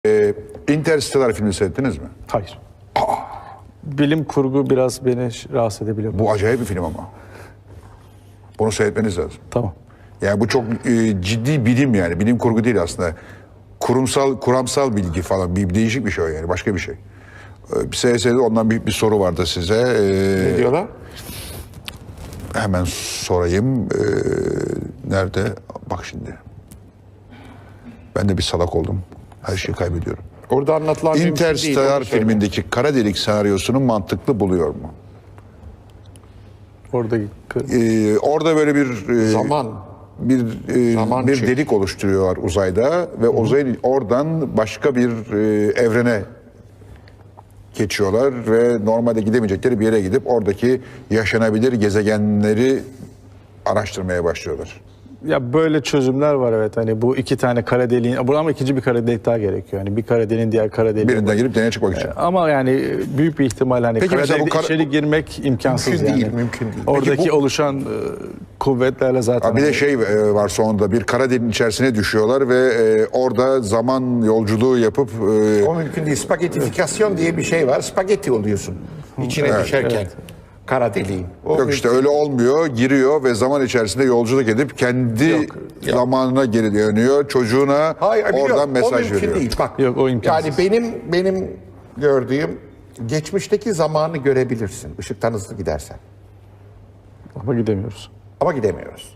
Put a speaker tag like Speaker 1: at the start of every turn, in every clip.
Speaker 1: Interstellar filmi seyrettiniz mi?
Speaker 2: Hayır. Bilim kurgu biraz beni rahatsız edebiliyor.
Speaker 1: Bu acayip bir film ama. Bunu seyretmeniz lazım.
Speaker 2: Tamam.
Speaker 1: Yani bu çok ciddi bilim yani. Bilim kurgu değil aslında. Kuramsal bilgi falan. Bir değişik bir şey o yani. Başka bir şey. Bir seyredin, ondan bir soru vardı size.
Speaker 3: Ne diyorlar?
Speaker 1: Hemen sorayım. Nerede? Bak şimdi. Ben de bir salak oldum. Her şeyi kaybediyorum.
Speaker 3: Orada anlatılan bir
Speaker 1: Interstellar filmindeki kara delik senaryosunu mantıklı buluyor mu?
Speaker 2: Oradaki
Speaker 1: Orada böyle bir
Speaker 3: zaman
Speaker 1: bir delik oluşturuyorlar uzayda ve uzayın oradan başka bir evrene geçiyorlar ve normalde gidemeyecekleri bir yere gidip oradaki yaşanabilir gezegenleri araştırmaya başlıyorlar.
Speaker 2: ya böyle çözümler var, evet. Hani bu iki tane kara deliğin, ama ikinci bir kara delik daha gerekiyor. Yani bir kara deliğin diğer kara deliğe.
Speaker 1: Birinden girip deneye çıkmak için.
Speaker 2: Ama yani büyük bir ihtimal hani
Speaker 1: Peki
Speaker 2: kara
Speaker 1: mesela bu
Speaker 2: delikte içeri girmek imkansız
Speaker 3: mümkün
Speaker 2: yani.
Speaker 3: değil, mümkün değil.
Speaker 2: Oradaki oluşan kuvvetlerle zaten.
Speaker 1: Bir de şey var sonunda, bir kara deliğin içerisine düşüyorlar ve orada zaman yolculuğu yapıp
Speaker 3: O mümkün değil. Spagettifikasyon diye bir şey var. Spagetti oluyorsun. İçine düşerken. Kara deliğin. O
Speaker 1: yok işte öyle olmuyor. Giriyor ve zaman içerisinde yolculuk edip kendi zamanına geri dönüyor. Çocuğuna
Speaker 3: Hayır,
Speaker 1: oradan
Speaker 3: biliyorum.
Speaker 1: mesaj
Speaker 3: o mümkün
Speaker 1: veriyor.
Speaker 3: değil. Bak,
Speaker 2: Yok, o imkansız.
Speaker 3: yani benim gördüğüm geçmişteki zamanı görebilirsin. Işıktan hızlı gidersen.
Speaker 2: Ama gidemiyoruz.
Speaker 3: Ama gidemiyoruz.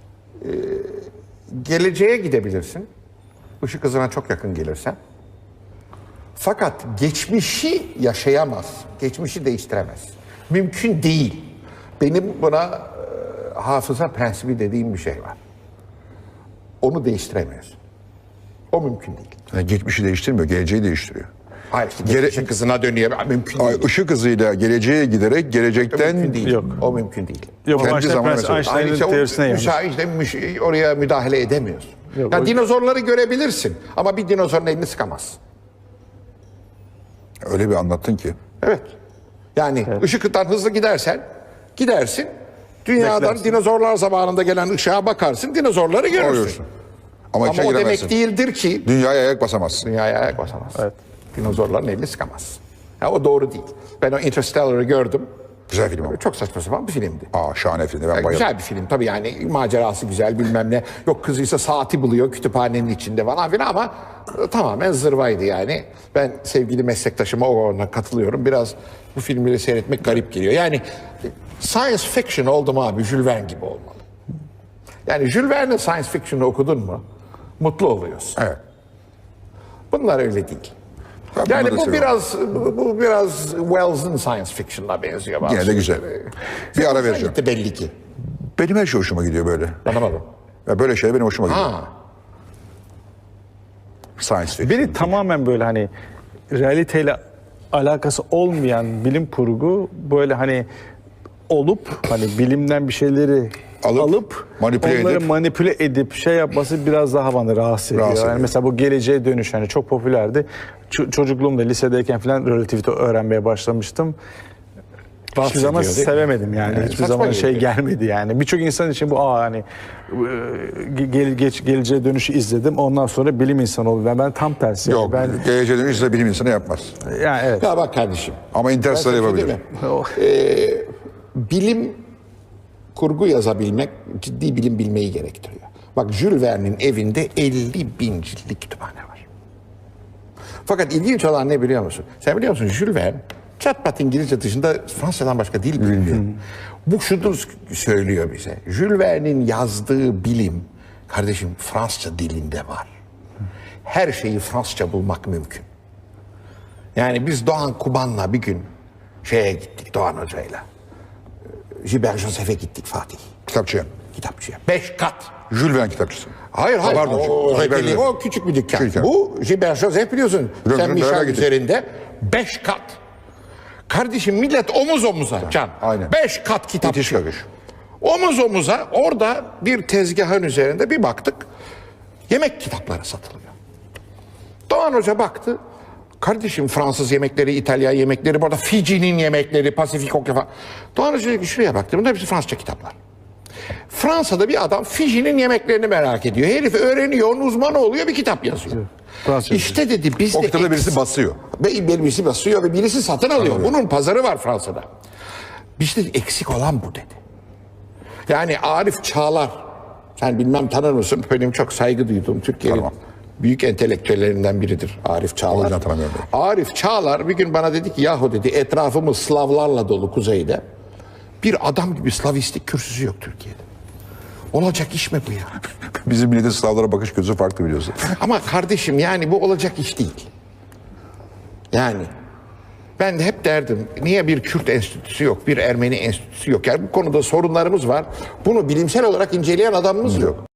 Speaker 3: Geleceğe gidebilirsin. Işık hızına çok yakın gelirsen. Fakat geçmişi yaşayamaz. Geçmişi değiştiremez. Mümkün değil. Benim buna hafıza prensibi dediğim bir şey var. Onu değiştiremiyorsun. O mümkün değil.
Speaker 1: Yani geçmişi değiştirmiyor, geleceği değiştiriyor.
Speaker 3: Hayır, işte ışık hızına dönüyor. Mümkün değil.
Speaker 1: Işık hızıyla geleceğe giderek gelecekten
Speaker 3: Mümkün değil.
Speaker 2: Yok.
Speaker 3: O mümkün değil.
Speaker 2: Yok,
Speaker 1: Kendi zamanı mesela.
Speaker 2: Einstein'ın
Speaker 3: Ayrıca
Speaker 2: teorisine yanlış.
Speaker 3: oraya müdahale edemiyorsun.
Speaker 2: Yok,
Speaker 3: Ya
Speaker 2: o-
Speaker 3: dinozorları görebilirsin ama bir dinozorun elini sıkamazsın.
Speaker 1: öyle bir anlattın ki.
Speaker 3: Evet. Yani ışık hızından hızlı gidersin. Dünyadan
Speaker 2: Beklersin.
Speaker 3: dinozorlar zamanında gelen ışığa bakarsın, dinozorları görürsün.
Speaker 1: Oluyorsun. Ama
Speaker 3: Ama
Speaker 1: içine
Speaker 3: o
Speaker 1: giremezsin.
Speaker 3: demek değildir ki
Speaker 1: Dünyaya ayak basamazsın.
Speaker 3: dünyaya ayak basamazsın.
Speaker 2: Evet.
Speaker 3: Dinozorların elini sıkamazsın. Ya o doğru değil. Ben o Interstellar'ı gördüm.
Speaker 1: Güzel film ama.
Speaker 3: Çok saçma sapan bir filmdi.
Speaker 1: Şahane film. Ben bayıldım.
Speaker 3: Güzel bir film tabii, yani macerası güzel, bilmem ne. Yok, kızıysa saati buluyor kütüphanenin içinde falan filan ama tamamen zırvaydı yani. Ben sevgili meslektaşıma ona katılıyorum. Biraz bu filmleri seyretmek garip geliyor. Yani science fiction oldu mu abi, Jules Verne gibi olmalı. Yani Jules Verne'in science fiction'ı okudun mu mutlu oluyorsun.
Speaker 1: Evet.
Speaker 3: Bunlar öyle değil.
Speaker 1: Ben
Speaker 3: Yani
Speaker 1: bunları da seviyorum.
Speaker 3: bu biraz Wells'ın science fiction'ına benziyor.
Speaker 1: Yine de güzel. Bir ara vereceğim.
Speaker 3: Gitti belli ki.
Speaker 1: Benim her şey hoşuma gidiyor böyle.
Speaker 3: Anlamadım.
Speaker 1: Ya böyle şeyler benim hoşuma gidiyor.
Speaker 3: Ha.
Speaker 1: Science fiction.
Speaker 2: Beni tamamen böyle hani realiteyle alakası olmayan bilim kurgu, böyle hani olup hani bilimden bir şeyleri alıp
Speaker 1: manipüle
Speaker 2: onları
Speaker 1: edip-
Speaker 2: manipüle edip şey yapması biraz daha bana rahatsız ediyor.
Speaker 1: Rahatsız
Speaker 2: Yani
Speaker 1: ediyor.
Speaker 2: mesela bu geleceğe dönüş hani çok popülerdi. Çocukluğumda lisedeyken falan relativite öğrenmeye başlamıştım. Hiçbir zaman
Speaker 3: ediyor, değil mi?
Speaker 2: sevemedim yani. Hiçbir
Speaker 3: saçma
Speaker 2: zaman şey
Speaker 3: geliyor.
Speaker 2: gelmedi yani. Birçok insan için bu hani geleceğe dönüşü izledim. Ondan sonra bilim insanı oldum. Ben tam tersi.
Speaker 1: Yok.
Speaker 2: Ben
Speaker 1: Geleceğe dönüş ise bilim insanı yapmaz.
Speaker 2: yani evet.
Speaker 3: Ya bak kardeşim.
Speaker 1: Ama Interstellar
Speaker 3: Ben sana bir şey
Speaker 1: yapabilir.
Speaker 3: diyeyim mi? Bilim kurgu yazabilmek ciddi bilim bilmeyi gerektiriyor. Bak, Jules Verne'in evinde 50.000 ciltlik kütüphane var. Fakat ilginç olan ne biliyor musun? Sen biliyor musun, Jules Verne çat pat İngilizce dışında Fransızcadan başka dil bilmiyor. Bu şunu söylüyor bize. Jules Verne'in yazdığı bilim kardeşim Fransızca dilinde var. Her şeyi Fransızca bulmak mümkün. Yani biz Doğan Kuban'la bir gün şeye gittik, Doğan Hoca'yla. Gilbert Joseph'e gittik, Fatih.
Speaker 1: Kitapçıya.
Speaker 3: Kitapçıya. 5 kat.
Speaker 1: Jules Verne kitapçısı.
Speaker 3: Hayır,
Speaker 1: Pardon,
Speaker 3: o,
Speaker 1: Gilbert
Speaker 3: o,
Speaker 1: Joseph.
Speaker 3: o küçük bir dükkan.
Speaker 1: Küçük dükkan.
Speaker 3: Bu Gilbert Joseph, biliyorsun.
Speaker 1: Biliyorum,
Speaker 3: Sen
Speaker 1: beraber
Speaker 3: Michel
Speaker 1: gittik.
Speaker 3: üzerinde 5 kat. Kardeşim, millet omuz omuza Can.
Speaker 1: Aynen.
Speaker 3: 5 kat
Speaker 1: İtiş
Speaker 3: kitapçı.
Speaker 1: kakış.
Speaker 3: Omuz omuza orada bir tezgahın üzerinde bir baktık. Yemek kitapları satılıyor. Doğan Hoca baktı. Kardeşim, Fransız yemekleri, İtalyan yemekleri, burada Fiji'nin yemekleri, Pasifik Okyanusu falan. Doğan Hoca dedi ki şuraya baktı. Bunlar hepsi Fransızca kitaplar. Fransa'da bir adam Fiji'nin yemeklerini merak ediyor. Herif öğreniyor, onun uzmanı oluyor, bir kitap yazıyor.
Speaker 2: Fransızca.
Speaker 3: İşte dedi bizde
Speaker 1: O kitabı birisi basıyor.
Speaker 3: birisi basıyor ve birisi satın alıyor. Bunun pazarı var Fransa'da. Bizde eksik olan bu dedi. Yani Arif Çağlar, sen bilmem tanır mısın? Benim çok saygı duyduğum Türkiye'nin
Speaker 1: Tamam.
Speaker 3: büyük entelektüellerinden biridir Arif Çağlar.
Speaker 1: yüzden tanımıyorum.
Speaker 3: Arif Çağlar bir gün bana dedi ki yahu dedi etrafımız Slavlarla dolu kuzeyde. Bir adam gibi Slavistik kürsüsü yok Türkiye'de. Olacak iş mi bu ya?
Speaker 1: Bizim milletin Slavlara bakış gözü farklı biliyorsun.
Speaker 3: Ama kardeşim yani bu olacak iş değil. Yani ben de hep derdim niye bir Kürt enstitüsü yok, bir Ermeni enstitüsü yok? Yani bu konuda sorunlarımız var. Bunu bilimsel olarak inceleyen adamımız yok.